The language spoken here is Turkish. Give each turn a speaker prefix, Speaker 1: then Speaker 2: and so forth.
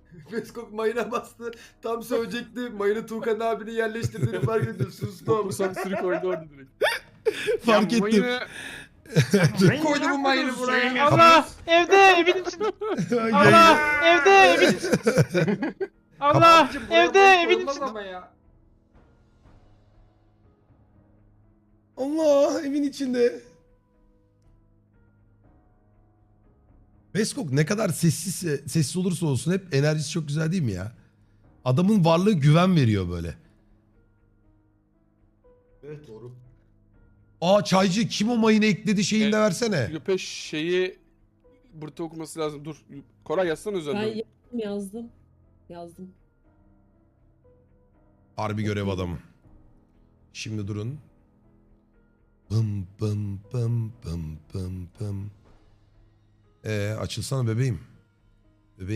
Speaker 1: Beskok mayına bastı. Tam sövecekti. Mayını Tuğkan abinin yerleştirdiğini fark ediyor. Sustu ama.
Speaker 2: Topu sansürü koydu orada direkt.
Speaker 3: Fark ettim.
Speaker 1: Koydu bu mayını buraya.
Speaker 4: Allah evde evin içinde. Allah evde evin içinde. Allah
Speaker 1: Abicim, buraya
Speaker 4: evde
Speaker 1: mayın
Speaker 4: evin
Speaker 1: koyulmaz
Speaker 4: içinde.
Speaker 1: ama ya.
Speaker 3: Allah evin içinde. Beskok ne kadar sessiz olursa olsun hep enerjisi çok güzel değil mi ya? Adamın varlığı güven veriyor böyle.
Speaker 1: Evet doğru.
Speaker 3: Aa çaycı kim o mayını ekledi şeyini de versene.
Speaker 2: Göpeş şeyi burada okuması lazım. Dur. Koray yazsana
Speaker 5: Ben
Speaker 2: üzerine.
Speaker 5: yazdım.
Speaker 3: Harbi görev adamı. Şimdi durun. Bım bım bım bım bım bım. Açılsana bebeğim.